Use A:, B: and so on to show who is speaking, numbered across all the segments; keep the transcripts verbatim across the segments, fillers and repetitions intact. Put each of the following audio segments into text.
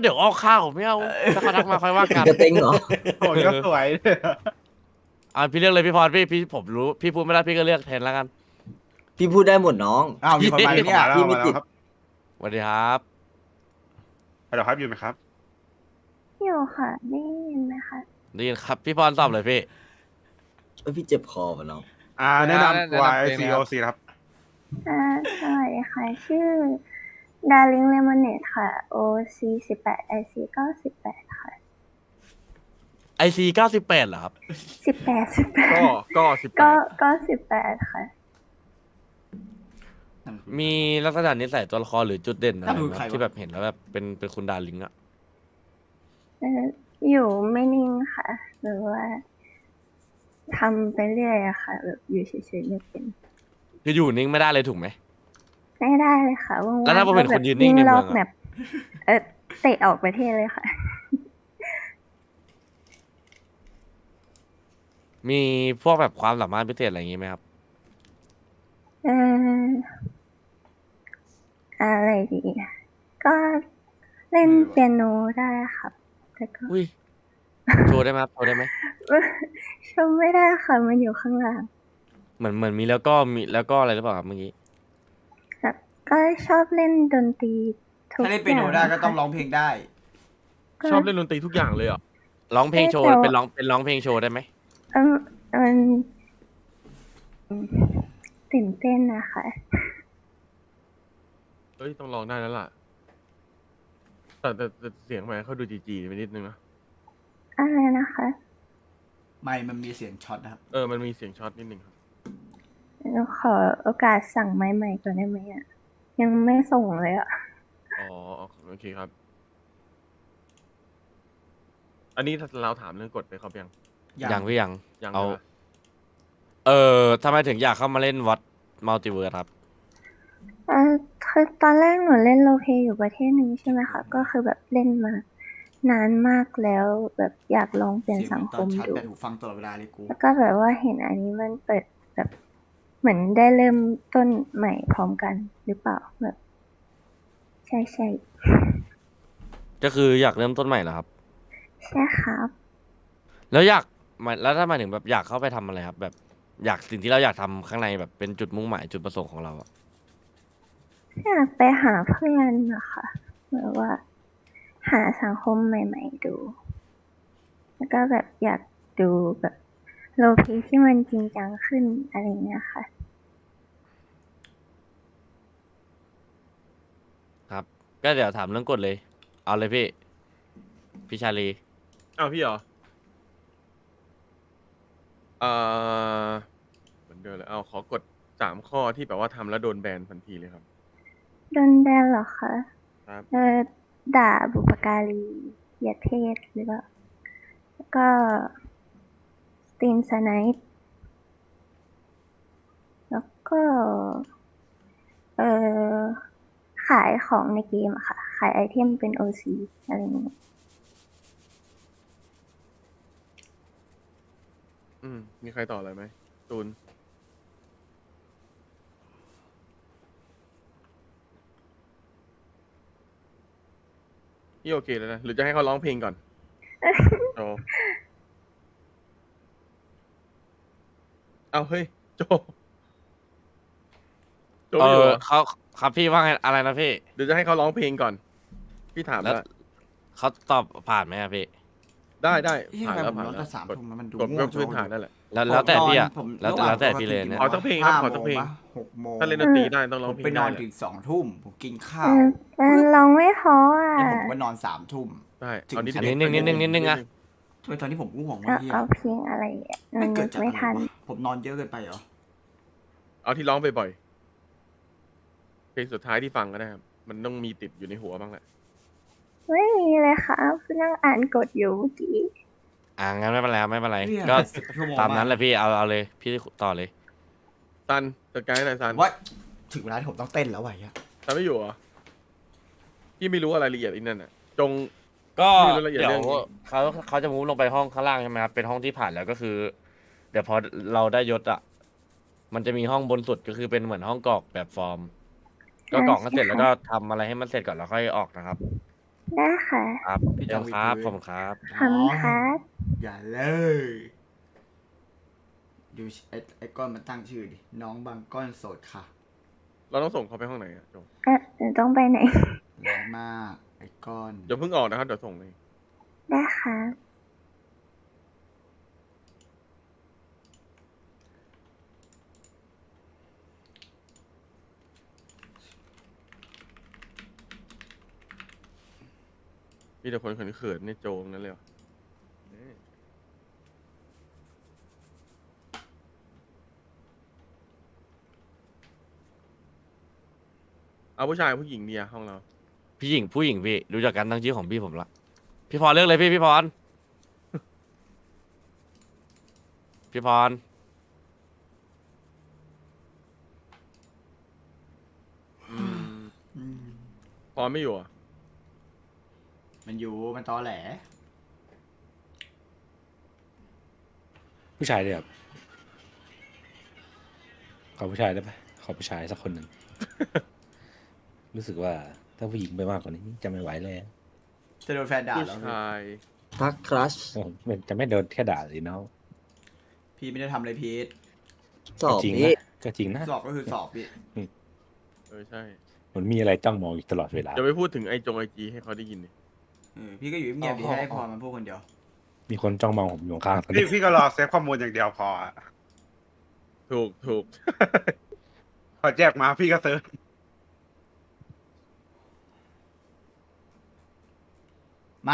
A: เดี๋ยวออกข้าวไม่เอาถ้าเขาทักมาค่อยว่ากัน
B: กระเต็งเหรอ
C: โอ้ยก็สวย
A: อ่าพี่เลือกเลยพี่พรพี่พี่ผมรู้พี่พูดไม่ได้พี่ก็เลือกแทนแล้วกัน
B: พี่พูดได้หมดน้อง
D: อ้าวมีคนมา
C: พี่
D: เนี่ย
C: มาแล้ว
B: พี่ไม่
C: มาแล้
B: ติ
C: ว
B: ด
C: ครับ
A: สวัสดีครับ
C: ฮัลโหลครับอยู่ไหมครับ
E: อยู่ค่ะได้ยินไหมคะ
A: ได้ยินครับพี่พรตอบเลยพี่
B: เอ้ยพี่เจ็บคอป่ะน้อง
C: อ่าแนะนำตัว
F: แนะนำตัวเองนะครับ
C: ไอ ซี โอ ซี ครับ
E: อ่าสวัสดีค่ะ ชื่อ Darling Lemonade ค่ะ โอ ซี สิบแปด ไอ ซี เก้าสิบแปดค่ะ
A: ไอซีเก้าสิบแปดเหรอครับ
E: สิบแปด สิบแป
F: ก็
E: ด
F: ก็สิบแป
E: ก็
F: ด
E: ก็สิบแปดค่ะ
A: มีลักษณะนิสัยตัวละครหรือจุดเด่นอะไร
D: นั่นคือ
A: ไหม
D: ใครวะ
A: ที่แบบเห็นแล้วแบบเป็นเป็นคุณดาริงอะ
E: เอ่ออยู่ไม่นิ่งค่ะ หรือว่าทำไปเรื่อยอะค่ะ แบบอยู่เฉยๆไม่เป็น
A: คืออยู่นิ่งไม่ได้เลยถูกไหม
E: ไม่ได้เลยค่ะว่างๆ
A: แล้วถ้าผมเห็น
E: ก็
A: คนยืนนิ่งใน
E: วิ่
A: เมื
E: ร
A: อ
E: อง บ
A: อะ
E: แบบเออเตะออกประเทศเลยค่ะ
A: มีพวกแบบความสามารถพิเศษอะไรอย่างงี้ไหมครับ
E: เอออะไรดี ก็เล่นเปียโนได้ครับ แต่ก็
A: อุ้ยโชว์ได้ไหมครับโชว์ได้ไหม
E: ชมไม่ได้ค่ะ มันอยู่ข้างล่าง
A: เหมือนเหมือนมีแล้วก็มีแล้วก็อะไรหรือเปล่าครับเมื่อกี้
E: แบบก็ชอบเล่นดนตรีทุก
D: ถ้า
E: อ
D: เล่
E: ย่าน ง
D: เปียโนได้ก็ต้อง
E: ค่ะ
D: ร้องเพลงได้
E: ก็
F: ชอบเล่นดนตรีทุกอย่างเลยเหรอ
A: ร้องเพลงโชว์
E: เอ๊ะแต่
A: เป็นร้องเป็นร้องเพลงโชว์ได้ไหม
E: เออมันอืมตื่นเต้นนะคะ
F: เอ้ยต้องลองได้แล้วล่ะ แต่แต่แต่เสียงแหมเขาดูจีจีไปนิดนึงนะ
E: อะไรนะคะ
D: ไม่มันมีเสียงช็อตนะครับ
F: เออมันมีเสียงช็อตนิดนึงครับ
E: หนูขอโอกาสสั่งไม้ใหม่ก่อนได้ไหมอ่ะ ยังไม่ส่งเลยอ่ะ
F: อ๋อโอเคครับ อันนี้เราถามเรื่องกฎไปครับยัง
A: ยังพี่ยัง
F: ยัง
A: เอา
F: ใช่ปะ
A: เออทำไมถึงอยากเข้ามาเล่นวัดมัลติเวิร์สครับ
E: เออคือตอนแรกหนูเล่นโรลเพลย์อยู่ประเทศหนึ่งใช่ไหมคะ ก็คือแบบเล่นมานานมากแล้วแบบอยากลองเปลี่ยน
D: เสียง
E: สัง
D: ต
E: ค
D: อน
E: ม
D: ชัด
E: ดู
D: แต่หูฟังตลอดเวลาเลยกู
E: แล้วก็แบบว่าเห็นอันนี้มันเปิดแบบเหมือนได้เริ่มต้นใหม่พร้อมกันหรือเปล่าแบบใช่ใช่
A: ก็คืออยากเริ่มต้นใหม่เหรอครับ
E: ใช่ครับ
A: แล้วอยากหมายแล้วถ้าหมายถึงแบบอยากเข้าไปทำอะไรครับ แบบอยากสิ่งที่เราอยากทำข้างในแบบเป็นจุดมุ่งหมายจุดประสงค์ของเราอะ
E: อยากไปหาเพื่อนนะคะแบบว่า หาสังคมใหม่ ๆดู แล้วก็แบบอยากดูแบบโลเพที่มันจริงจังขึ้นอะไรอย่างเงี้ยค่ะ
A: ครับ ก็เดี๋ยวถามเรื่องกฎเลย เอาเลยพี่พี่ชาลี
F: อ้าวพี่เหรอเอ่อเหมือนเดิมเลย เอาขอกดสามข้อที่แบบว่าทำแล้วโดนแบนทันทีเลยครับ
E: โดนแบนเหรอคะ
F: ครับ
E: เออด่าบุปการีเหยียดเพศหรือเปล่าแล้วก็สตรีมสไนป์แล้วก็เออขายของในเกมอะค่ะ ขายไอเทมเป็น โอ ซี อะไรอย่างเงี้ย
F: อืมมีใครต่ออะไรไหมตูน พี่โอเคแล้วนะ หรือจะให้เขาร้องเพลงก่อนโจเอาเฮ้ย โจ โจ
A: เอ
F: อยู่
A: อ
F: เหรอ
A: เขาครับพี่ว่าไงอะไรนะพี่
F: เดี๋ยวจะให้เขาร้องเพลงก่อน พี่ถาม
A: แล้
F: แล้ว ว
A: เขาตอบผ่านไหมอะพี่
F: ได้ได้
D: เอ๊ะ
F: ผ่าน
D: ทำไม
F: แล้ว
D: ผม
F: ผ่าน
D: นอน
F: แล้
D: ตั้
F: ว
D: งสาม
F: กด
D: ทุ่มแล้วมันดู
F: กด
D: ง่
F: ก็
D: วงจั
F: พื้น
D: ง
F: ฐาน
D: วะ
F: นั่นแหละ
A: แล้วแล้วแต่พี่อะ
D: ผม
A: แล้ว
D: ระหาง
A: แล้วแต่พี่เลยเนี่ย
F: ขอสักเพลงครับขอสักเพลง
D: หกโมง
F: ถ้าเล่นดนตรีได้ต้องร้
D: ผ
F: อง
D: ม
F: เพล
D: ไป
F: ง
D: น
F: ได้
D: อน
F: แหละ
D: ถึงสองทุ่มผมกินข้า
E: เอ
D: ว
E: อมันร้องไม่เพออ่ะ
D: แล้วผมก็นอนสามทุ่ม
F: ได้
D: ถึง
F: เอานิด
D: สิบ
A: อัน
D: เอ็
A: นี้นิดนึงนิดนึงนิดนึงอะ
D: ทำไมตอนที่ผมง่วง
E: เอา
D: วะเฮีย
E: เอาเพลงอะไรอ่ะมั
D: ไม่
E: น
D: เกิ
E: นึ
D: ด
E: ก
D: จาก
E: ไม่
D: อะไร
E: ทัน
D: วะผมนอนเยอะเกินไปเหรอ
F: เอาที่ร้องบ่อยๆเพลงสุดท้ายที่ฟังก็ได้ครับ มันต้องมีติดอยู่ในหัวบ้างแหละ
E: ไม่มีเลยค่ะเพิ่งนั่งอ่านกฎอยู่เมื่อกี้
A: อ่างั้นไม่เป็นไรครับไม่เป็นไร
D: เนี่ย
A: ก็
D: สิบชั่วโมง
A: ตามนั้นแหละพี่เอาเอาเลย พี่ต่อเลย
F: ซันจัดการให้หน่อยซัน
D: ว่าถึงเวลาที่ผมต้องเต้นแล้ววะเฮีย
F: ซันไม่อยู่เหรอพี่ไม่รู้อะไรละเอียดอีกนั่นน่ะ จง
A: ก็
F: ไม่รู้รายละเอียด
A: เดี๋ยว
F: เรื่องนี้
A: เขาเขาจะมูฟลงไปห้องข้างล่างใช่ไหมครับเป็นห้องที่ผ่านแล้วก็คือ เดี๋ยวพอเราได้ยศอ่ะ มันจะมีห้องบนสุดก็คือเป็นเหมือนห้องกรอกแบบฟอร์ม ก็กรอกกันเสร็จแล้วก็ทำอะไรให้มันเสร็จก่อนแล้วค่อยออกนะครับ
E: ได้ค่ะ
A: ครับ
D: พี่
A: เดี๋
D: จ
A: ย
D: อ
A: ว
D: ง
A: ครับ
D: วิด
A: ผม ครับ
E: ขอบคุณครับ
D: อย่าเลย ดูไอ้ไอ้ก้อนมันตั้งชื่อดิ น้องบางก้อนโสดค่ะ
F: เราต้องส่งเขาไปห้องไหนอะจง
E: เอ๊ะเดี๋ยวต้องไปไหน
D: ร้ายมาก ไอ้ก้อน
F: อย่าเพิ่งออกนะครับเดี๋ยวส่งเลย
E: ได้ค่ะ
F: มีแต่คนเขินๆในโจงนั่นเลยว่ะนี่เอาผู้ชายผู้หญิงเดียห้องเรา
A: พี่หญิงผู้หญิงพี่รู้จักกันตั้งชื่อของพี่ผมละพี่พรเลือกเลยพี่พี่พร พี่พร
F: อืม
D: อืม
F: พอไม่อยู่อ่ะ
D: มันอยู่ มันตอแหล
G: ผู้ชายเลยครับขอผู้ชายได้ไหมขอผู้ชายสักคนหนึ่ง รู้สึกว่าถ้าผู้หญิงไปมากกว่านี้จะไม่ไหวแล้ว
D: จะโดนแฟนด่า
F: ผู้
D: แล้ว
F: ชาย
B: ทักครัช
G: โอ้มันจะไม่โดนแค่ด่าสิเนาะ
D: พี่ไม่ได้ทำอะไรพีท
B: สอบ
G: ก็จริง
B: พี่
G: นะก็จริงนะ
D: สอบก็คือสอบพี่
F: เออใช่
G: มันมีอะไรจ้องมองอยู่ตลอดเวลา
F: จะไปพูดถึงไอจงไอจีให้เขาได้ยินดิ
D: เออ พี่ก็อยู่เงียบๆดีให้ไอ้พรมันพูดคนเดียว
G: มีคนจ้องมองผมอยู่ข้างๆตอน
C: พี่
G: นี้
C: พี่ก็รอเซฟข้อมูลอย่างเดียวพออะ
F: ถูกถูก
C: พอแจกมาพี่ก็เซิร์ช
D: มา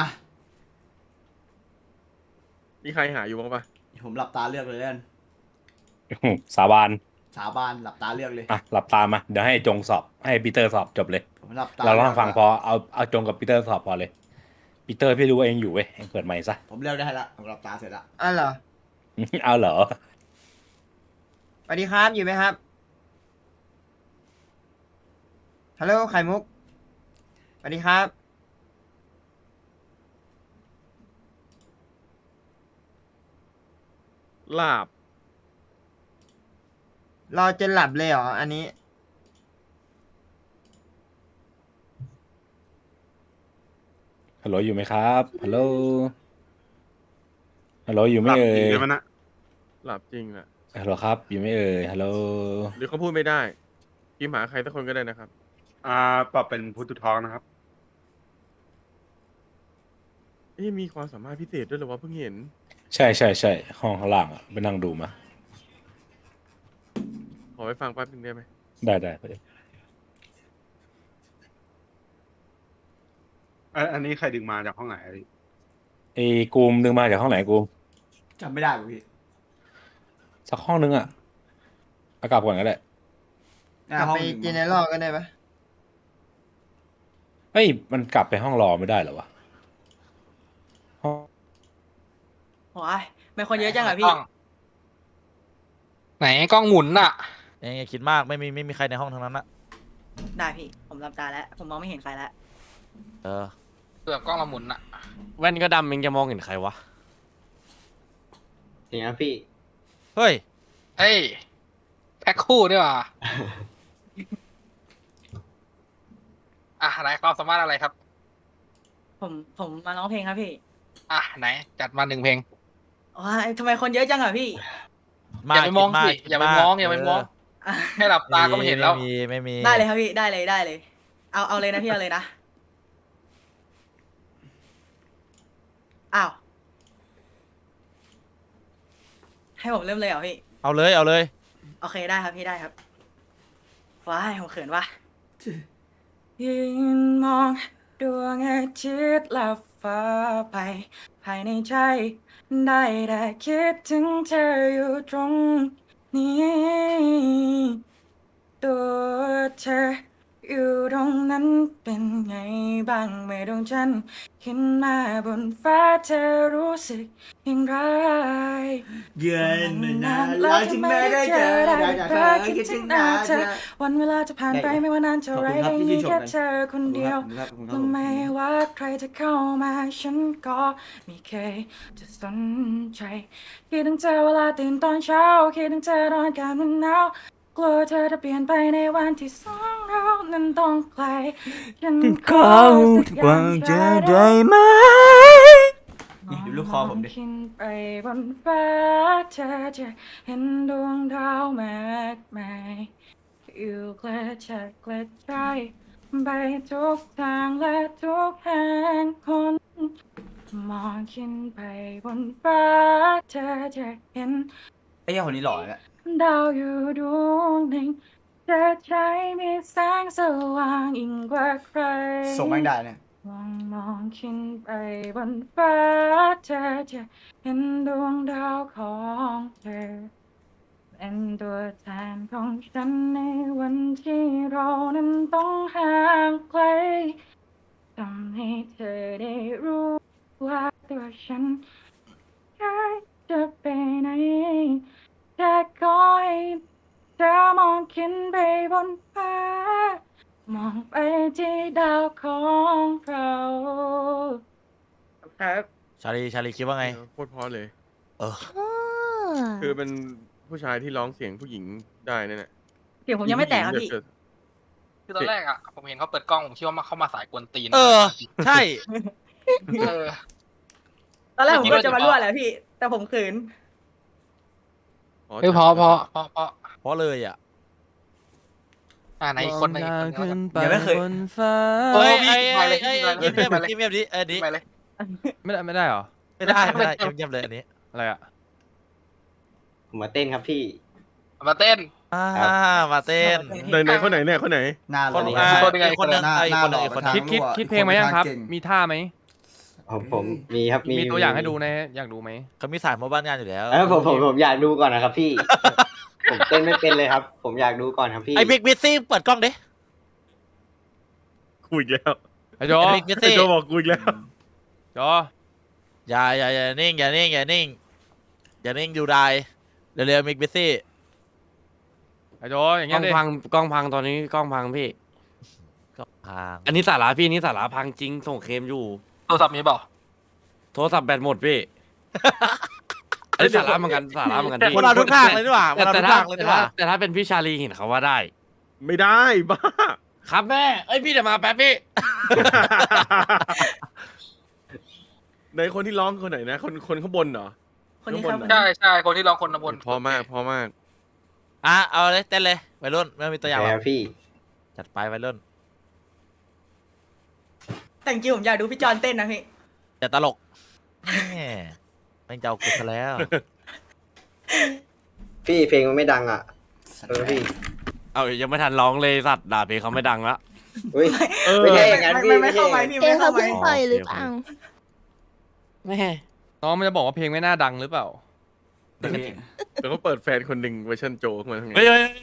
F: มีใครหาอยู่บ้างปะ
D: ผมหลับตาเลือกเลยแล้วกัน
G: สาบาน
D: สาบานหลับตาเลือกเลย
G: อ่ะหลับตามาเดี๋ยวให้จงสอบให้ปีเตอร์สอบจบเลย
D: ผมหลับตา
G: เราลอง
D: ลืก
G: ฟังพอเอาเอาจงกับปีเตอร์สอบพอเลยปีเตอร์พี่รู้ว่าเองอยู่เว้ยเองเปิดไมค์ซะ
D: ผมเลือกได้ละผมหลับตาเสร็จละ
H: อ๋อเหรอ
G: เอาเหรอ
H: สวัสดีครับ อยู่ไหมครับ ฮัลโหล ไข่มุก สวัสดีครับ
F: ลาบ
H: รอจนหลับเลยเหรอ อันนี้
G: ฮัลโหลอยู่ไหมครับฮัลโหลฮัลโหลอยู่ไห
C: ห
G: ม่
C: ลับ
G: เอ่
C: จริง
G: ย
C: เลยมันนะ
F: หลับจริงอ่ะ
G: ฮัลโหลครับอยู่ไหม่เอ่ยฮัลโหล
F: หรือเขาพูดไม่ได้พิมพ์หาใครสักคนก็ได้นะครับ
C: อ่าปรับเป็นพุทธทองนะครับ
F: เอ๊ะมีความสามารถพิเศษด้วยเหรอวะเพิ่งเห็น
G: ใช่ใช่ใช่ห้องข้างล่างอ่ะไปนั่งดูมา
F: ขอไปฟังแป๊บนึงได้ไหม
G: ได้ได้ไป
C: อันอันนี้ใครดึงมาจากห้องไหนอะพี่
G: ไอ้กูมดึงมาจากห้องไหนกูม
D: จำไม่ได้ว่ะพี่
G: สักห้องนึงอ่ะเอากลับก่อนก็ได้
D: หน้าก
H: ลับ
D: ห้อง
H: ไป
D: หนึ่ง
H: เจเนอเรลก็ได้ปะ
G: เฮ้ยมันกลับไปห้องรอไม่ได้เหรอวะห้อง
I: โอ้ยไม่คนเยอะจังเหรอพี่
J: ไหนกล้องหมุนอ่ะ
K: เองอย่าคิดมากไม่มีไม่มีใครในห้องทั้งนั้นอะ
I: ได้พี่ ผมรับตาแล้ว ผมมองไม่เห็นใครแล้ว
A: เออ
J: เกือบกล้องเราหมุนอ่ะ
A: แว่นก็ดำเองจะมองเห็นใครวะ
B: อย่างนี้พี่
K: เฮ้ย
J: เฮ้ย แพ็คคู่ด้วยว่ะ อ่ะไหนความสามารถอะไรครับ
I: ผมผมมาร้องเพลงครับพี่
J: อ่ะไหน จัดมาหนึ่งเพลง
I: โอ้ยทำไมคนเยอะจังเหรอพี่
J: อย่าไปมอง
K: คิด
J: สิ
K: คิด
J: อย่าไปมองอย่าไปมอง
I: อ่ะ
J: แค่หลับตาก็ไม่เห็นแล้ว
K: ไม่มีไม่มี
I: ได้เลยครับพี่ ได้เลยได้เลย เอาเอาเลยนะพี่เอาเลยนะ อ้าว ให้ผมเริ่มเลยเหรอพี่
K: เอาเลยเอาเลย
I: โอเคได้ครับพี่ได้ครับ ว้ายผมเขินว่ะยืนมองดวงอาทิตย์ลับฟ้าไป ภายในใจ ได้แต่คิดถึงเธออยู่ตรงนี้ ตัวเธออยู่ตรงนั้นเป็นไงบ้างเมื่อดวงจันทร์ขึ้นมาบนฟ้าเธอรู้สึกอย่างไร
D: เยือนมานานแล้วที่ไม่ได้เจอได้แต่เธอคิดถึงหน้าเธอ
I: วันเวลาจะผ่านไปไม่ว่านานเท่าไร
D: ขอบคุณครับที่
I: ได้มี
D: ชื่นชม
I: แค่
D: กัน
I: เธอคนเดียว
D: ขอบคุณครับขอบคุณครับ
I: รู้ไหมว่าใครจะเข้ามาฉันก็ไม่เคยจะสนใจคิดถึงเธอเวลาตื่นตอนเช้าคิดถึงเธอตอนอากาศมันหนาวกกลัวเธอจะเปลี่ยนไปในวันที่สองเรานั้นต้องไกลฉันขอ
D: เขา
I: สักอ
D: ว่า
I: ย่าง
D: จะ
I: เธอได้
D: ได้ไหมนี่ดูลูกคอผมดิ
I: ขึ้นไปบนฟ้าเธอจะเห็นดวงดาวมากมายอยู่กระจัดกระจายไปทุกทางและทุกแห่งคนมองขึ้นไปบนฟ้าเธอจะเห็น
D: ไอ้เหี้ยคนนี้หล่อเนี่ย
I: ดาวอยู่ดวงหนึ่งจะใช้มีแสงสว่างยิ่งกว่าใคร
D: ส่งแม่งได้เนี่ย
I: มองมองขึ้นไปบนฟ้าเธอจะเห็นดวงดาวของเธอเป็นตัวแทนของฉันในวันที่เรานั้นต้องห่างไกลทำให้เธอได้รู้ว่าตัวฉันอยากจะไปไหนแต่ขอให้เธอมองขึ้นไปบนฟ้ามองไปที่ดาวของเราครับ
K: ชาลีชาลีคิดว่าไง
F: โคตรเพราะเลย
K: เออ
F: คือเป็นผู้ชายที่ร้องเสียงผู้หญิงได้นั่นแหละ
I: เสียงผมยังไม่แตกครับพี่
J: คือตอนแรกอ่ะผมเห็นเขาเปิดกล้องผมคิดว่ามาเข้ามาสายกวนตีน
K: เออ ใช่
J: เออ
I: ตอนแรกผมก็จะมารั่วแหละพี่ แต่ผมขืน
J: เฮ้ยพอพอพอพอ
K: เพราะเลยอ่ะ
J: อ่าไหนอีกคนไหนอีกคนนึง
D: ยังไม่เคย
K: เฮ้ย
J: พี่
K: ไอ้
J: ไป
K: ไอ้
J: เลย
K: ไอ้
J: พี่ไป
K: เงียบ
J: เลย
K: เงียบเงียบดิเออดิ
J: ไปเลย
L: ไม่ได้ไม่ได้เหรอ
K: ไม่ได้ไม่ได้เงียบเงียบเลยอันนี้
L: อะไรอ่ะ
B: ผมมาเต้นครับพี่
J: มาเต้น
K: อ่ามาเต้น
F: ไหนไหนคนไหนเนี่ยคนไหน
D: หน้าห
K: ค
D: ล่อน
K: อ่า
J: คนยังไง
K: อีกคนนึง
D: หน้า
K: ไอ้
D: หน้า
K: คน
D: ห
K: นึ
D: ล่
K: ง
D: อ
K: ไอ้คน
D: ประ
K: นึ
D: ธาน
K: ง
L: คิดคิด
D: รั่ว
L: คิดเพลงมายังครับ
D: เก่ง
L: มีท่าไหม
B: ผมผมมีครับมี
L: มีตัวอย่างให้ดูนะอยากดูไหม
K: เขามีสายมาบ้านงานอยู่แล้ว
B: เออผมผมผมอยากดูก่อนนะครับพี่ ผมเต้นไม่เป็นเลยครับ ผมอยากดูก่อนครับพี่
K: ไอ้บิ๊กบิซซี่เปิดกล้องดิ
F: กูอีกแล้ว
L: ไอ้โจ
K: ไอ้บิ๊กบิซ
F: ไอ้
K: ซี่
F: โจบอกกูอีกแล้ว
L: โจ
K: อย่าอย่าอย่านิ่งอย่านิ่งอย่านิ่งอย่านิ่งอยู่ได้เร็วๆบิ๊กบิซซี่
L: ไอ้โจอย่าง
A: กล้
L: เงี้
A: อย ง
L: ดิ
A: พังกล้องพังตอนนี้กล้องพังพี่
K: ก็พัง
A: อันนี้สาระพี่อันนี้สาระพังจริงส่งเคมอยู่
J: โทรศัพท์มีเปล่า
A: โทรศัพท์แบตหมดพี่ อันนี้สาระเหมือนกันสาระเหมือนกันพี่
K: คนเราทุกทางเลยนี่หว่าค
A: แต่
K: นเรา
A: แต่
K: ทุก
A: ถ้า
K: ทางเลย
A: แต่
K: นี่ห
A: ถ้า
K: ว่า
A: แต่ถ้าเป็นพี่ชาลีเห็นเขาว่าได้
F: ไม่ได้บ้า
A: ครับแม่เอ้ยพี่เดี๋ยวมาแป๊บพี่
F: ในคนที่ร้องคนไหนนะ คนคนข้างบนเหรอ
I: คนนี้ครับ
F: ข้างบน
J: ใช่ใช่คนที่ร้องคนบน
F: พอมากพอมาก
K: อ่ะเอาเลยเต้นเลยวัยรุ่นไม่ต้องมีตัวอย่างหร
B: ค
K: อ
B: รั
K: ก
B: บพี่
K: จัดไปวัยรุ่น
I: แต่จริงๆผมอยากดูพี่จอนเต้นนะพี่
K: อย่าตลกแหมแม่งจะเอากูซะแล้ว
B: พี่เพลงมันไม่ดังอ่ะเออพี่
A: เอายังไม่ทันร้องเลยสัตว์ด่าเพลงเขาไม่ดังละ
B: อุ้ย
F: เออ
B: ไม่ใช่อย่างนั้น
I: ไม่
B: พี่
I: ไม่
B: ไม่
I: เข้า
B: ใช่
I: ไป
B: อย่างนั้น
I: พี่ไม่เข้าไป
A: ปล่อยหรือเปล่าแม่
L: น้องมันจะบอกว่าเพลงไม่น่าดังหรือเปล่า
D: เด็ก
F: แต่เขาเปิดแฟนคนหนึ่งเวอร์ชันโจขึ้นมาทำไง
A: เฮ้ยเฮ้ย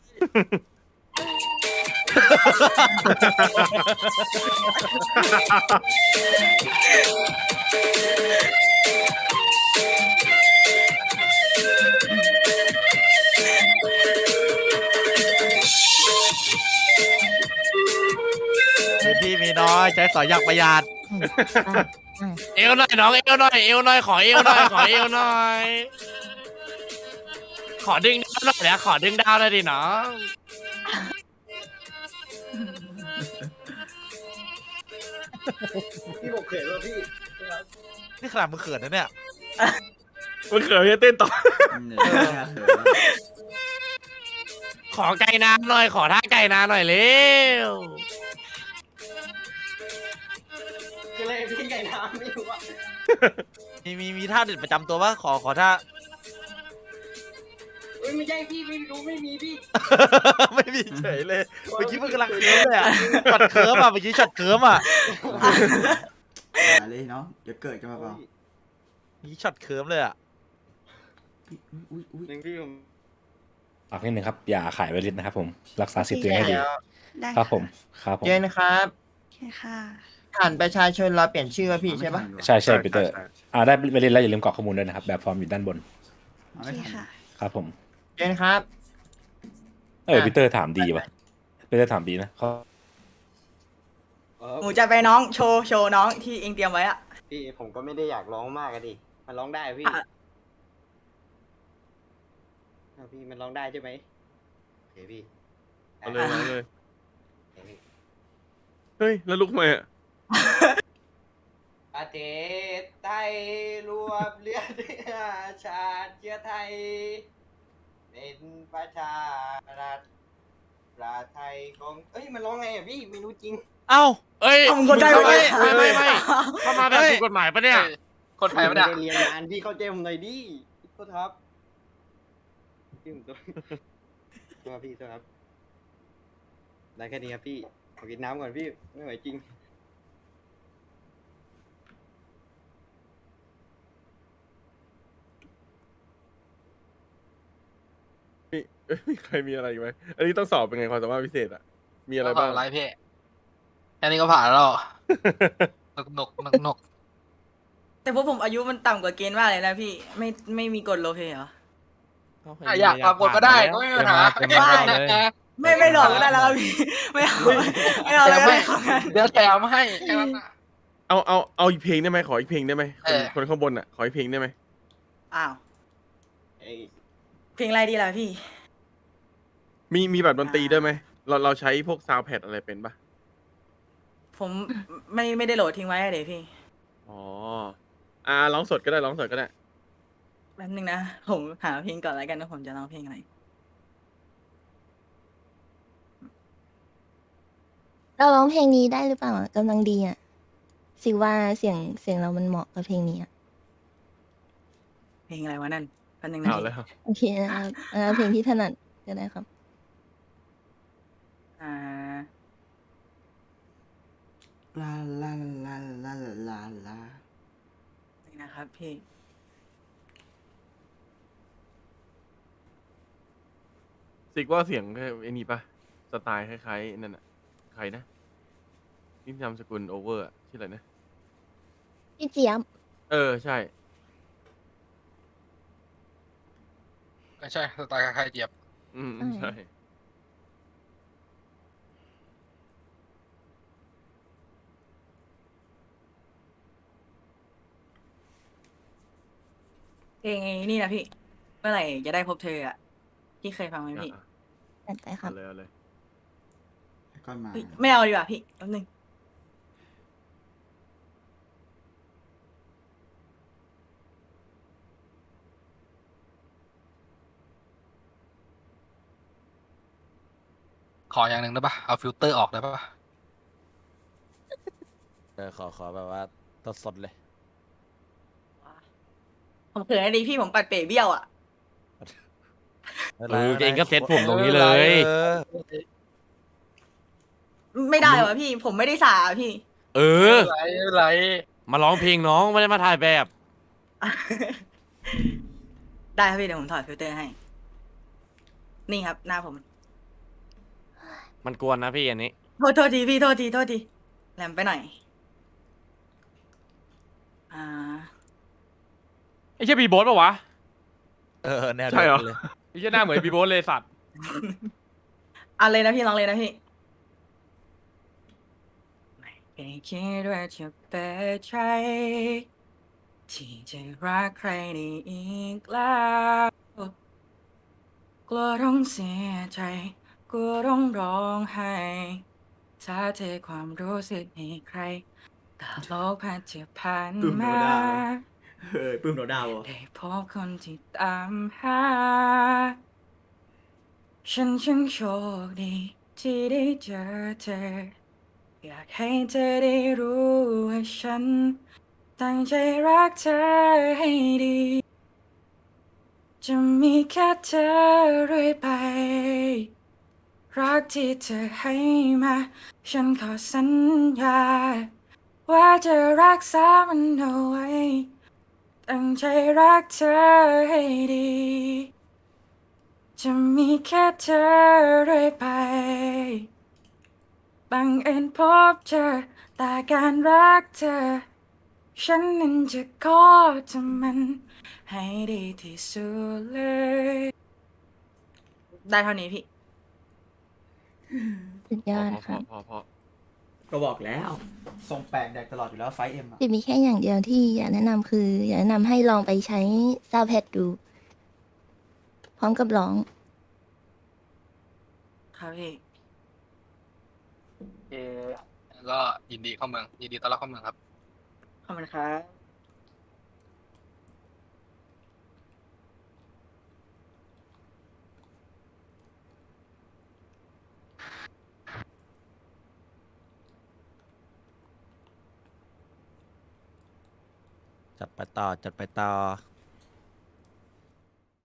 K: พื้นที่มีน้อยใช้สอยอย่างประหยัด
A: เอวหน่อยน้องเอวหน่อยเอวหน่อยขอเอวหน่อยขอเอวหน่อย ขอดึงดาวหน่อยนะขอดึงดาวหน่อยดิน้อง
B: พี่ผมเขินว่าพี่
K: นี่ขนาดมึงเขินนะเนี่ย
F: มันเขินจะเต้นต่อ
A: ขอไก่น้ำหน่อยขอท่าไก่น้ำหน่อยเร็ว
B: คืออะไรพี่ไก่น้ำไม่รู้อ่ะ
K: มีมีมีท่าเด็ดประจำตัวปะขอขอท่า
B: เอ้ยไม่ใช่พี่ไม่รู้ไม่มีพี่
K: ไม่มีเฉยเลย เมื่อกี้มึงกำลังเคิร์มเลยอ่ะช็อตเคิร์มอ่ะ เมื่อกี้ช็อตเคิร์มอ่ะ
D: อย่าเลยเนาะเดี๋ยวเกิดกันมาเปล่า
K: เมื่อกี้ช็อตเคิร์มเลยอ่ะ
D: อุ้ยอุ้ย
B: หนึ่งพี่ผม
G: ฝากนิดนึงครับ อย่าขายไวริสนะครับผม รักษาสิทธิ์ตัวเองให้ดี
H: ได้
G: ครับผม ครับผม
H: เจนนะครับ
E: โอเคค่ะ
H: ผ่านประชาชนเราเปลี่ยนชื่อป่ะพี่ใช่ปะ
G: ใช่ใช่ปีเตอร์ อ่าได้ไวริสแล้วอย่าลืมกรอกข้อมูลด้วยนะครับ แบบฟอร์มอยู่ด้านบน
H: โอเคค่ะ
G: ครับผม
H: เจนครับ
G: เออปีเตอร์ถามดีวะปีเตอร์ถามดีนะเขา
I: หมูจะไปน้องโชว์โชว์น้องที่เองเตรียมไว้อะ
B: พี่ผมก็ไม่ได้อยากร้องมากอะดิมันร้องได้พี่
I: อ่ะ
B: อ่ะพี่มันร้องได้ใช่ไหมพี่
F: เอาเลยเอาเลย
B: โอเคพี่
F: เฮ้ย แล้วลุกทำไมอ่ะ
B: ประเทศไทยรวมเลือดเนื้อชาติเชื้อไทย เป็นประชารัฐประไทยของเอ้ยมันร้องไงอ่ะพี่ไม่รู้จริง
K: เอ้า
A: เอ้ย
I: เอามึงคนไทย
A: ไม่
I: วะ
A: ไม่ไม่ไม่เข้ามาแบบถูกกฎหมายปะเนี่ย
J: คนไทย
B: ไม่
J: ไม่
B: ได้
J: ได้
B: เรียนงานพี่เข้าใจผมหน่อยดิโทษครับพี่ผมตัวตัวพี่ตัวครับได้แค่นี้ครับพี่ขอกินน้ำก่อนพี่ไม่ไหวจริง
F: มีเอ้ยมีใครมีอะไรอีกไหม อันนี้ต้องสอบเป็นไงความสามารถพิเศษอ่ะ มีอะไรบ้าง
J: อะไรพี่แค่นี้ก็ผ่านแล้วหนกหนกหนกหนก
I: แต่พวกผมอายุมันต่ำกว่าเกณฑ์มากเลยนะพี่ไม่ไม่มีกฎโลเพเหรอ
J: อ่ะอยากปรับกฎก็ได้ก็ไม่มีปัญหา
K: เต็มมาเลย
I: ไม่ไม่หลอกก็ได้แล้วครับพี่ไม่เอาไม่เอา
J: แถ
I: เลย
J: ม
I: ไม่
J: ให้
I: เอางั้น
J: เดี๋ยวแถมให้แค่นั้นน่ะ
F: เอาเอาเอาอีกเพลงได้ไหมขออีกเพลงได้ไหมค
J: เอน อ
F: คนข้างบนอ่ะ ขออีกเพลงได้ไหม
I: อ้าว
B: เอ้ย
I: เพลงอะไรดีล่ะพี่
F: มีมีแบบดนตรีด้วยไหม เราเราใช้พวกซาวด์แพดอะไรเป็นปะ
I: ผมไม่ไม่ได้โหลดทิ้งไว้อะเดี๋ยวพี่
F: อ๋อ อ่าร้องสดก็ได้ร้องสดก็ได้
I: แป๊บนึงนะผมหาเพลงก่อนแล้วกันว่าผมจะร้องเพลงอะไร
E: เราร้องเพลงนี้ได้หรือเปล่าอะกำลังดีอ่ะสิว่าเสียงเสียงเรามันเหมาะกับเพลงนี้อ่ะ
I: เพลงอะไรวะนั่นแป๊บนึงนะ
F: เอา
I: พี่
F: แล้ว
E: โอเคนะครับเอาเพลงที่ถนัดก็ได้ครับ
I: อ่า
H: ลาลาลาลาลาลา
I: นี่นะครับพี่
F: สิกว่าเสียงแค่ไอ้นี่ปะสไตล์คล้ายๆนั่นอ่ะ ใครนะนี่นามสกุลโอเวอร์อะชื่ออะไรนะ
E: พี่เจี๊ยบ
F: เออ ใช่
J: ไม่ใช่สไตล์ใครเจี๊ยบ
F: อืม
E: อืม
F: ใช่
I: เพลงนี่นะพี่ เมื่อไหร่จะได้พบเธออ่ะพี่เคยฟังไหมพี่
F: อ่ะ
E: จัดไปครั
F: เอา
E: บ
F: เลยเอาเลย
H: ก็มา
I: เฮ้ยไม่เอาดีกว่าพี่แป๊บนึง
J: ขออย่างหนึ่งได้ปะเอาฟิลเตอร์ออกได้ปะ
K: เออขอขอแบบว่าสดๆเลย
I: ผมเขินอะดีพี่ผมปัดเป๋เบี้ยวอ่ะ
K: ไม่
A: เอ
K: ป็นไร
A: อเองก็เซ็ตผมตรงนี้เลย
K: เออ
I: ไม่ได้วะพี่ผมไม่ได้สาพี่
A: เออ
J: ไรไร
A: มาร้องเพลงน้องไม่ได้มาถ่ายแบบ
I: ได้ครับพี่เดี๋ยวผมถอดฟิลเตอร์ให้ นี่ครับหน้าผม
A: มันกวนนะพี่อันนี้
I: โทษโทษทีพี่โทษทีโทษทีแหลมไปหน่อย อ่า
L: ไอ้เชี่ยบีโบสปะวะ
K: เออแนว
F: ใช่เหรอ
K: ดียวกันเลย
L: ไอ้เชี่ยหน้าเหมือนบีโบสเลยสัตว์
I: เอะไรนะพี่ลองเลยนะพี่ไม่เคยคิดว่าจะเป็นใจที่จะรักใครได้อีกแล้วกลัวต้องเสียใจกลัวต้องร้องไห้ถ้าเทความรู้สึกให้ใครตลกผ่านจะผ่าน
D: ปึ้มโน
I: มา
D: ดาวเฮ้ยปึ้มโนดาวอ่ะ
I: ได้พบคนที่ตามหา ฉันช่างโชคดีที่ได้เจอเธอ อยากให้เธอได้รู้ว่าฉัน ตั้งใจรักเธอให้ดี จะมีแค่เธอเรื่อยไป รักที่เธอให้มา ฉันขอสัญญา ว่าจะรักษามันเอาไว้ ตั้งใจรักเธอให้ดี จะมีแค่เธอเรื่อยไป บังเอิญพบเจอแต่การรักเธอ ฉันนั้นจะขอทำมันให้ดีที่สุดเลย ได้เท่านี้พี่
E: สุดยอด
F: พอ
E: ครับ
F: พอพอ
D: ก็บอกแล้วทรงแปลกแดกตลอดอยู่แล้วไฟเอ็มอ่ะ
E: จะมีแค่อย่างเดียวที่อยากแนะนำคือ อยากแนะนำให้ลองไปใช้ซาวด์แพดดู พร้อมกับร้อง
I: ครับพี่
J: เออแล้วก็ยินดีเข้าเมืองยินดีต้อนรับเข้าเมืองครับ
I: ขอบคุณครับ
K: จัดไปต่อจัดไปต่อ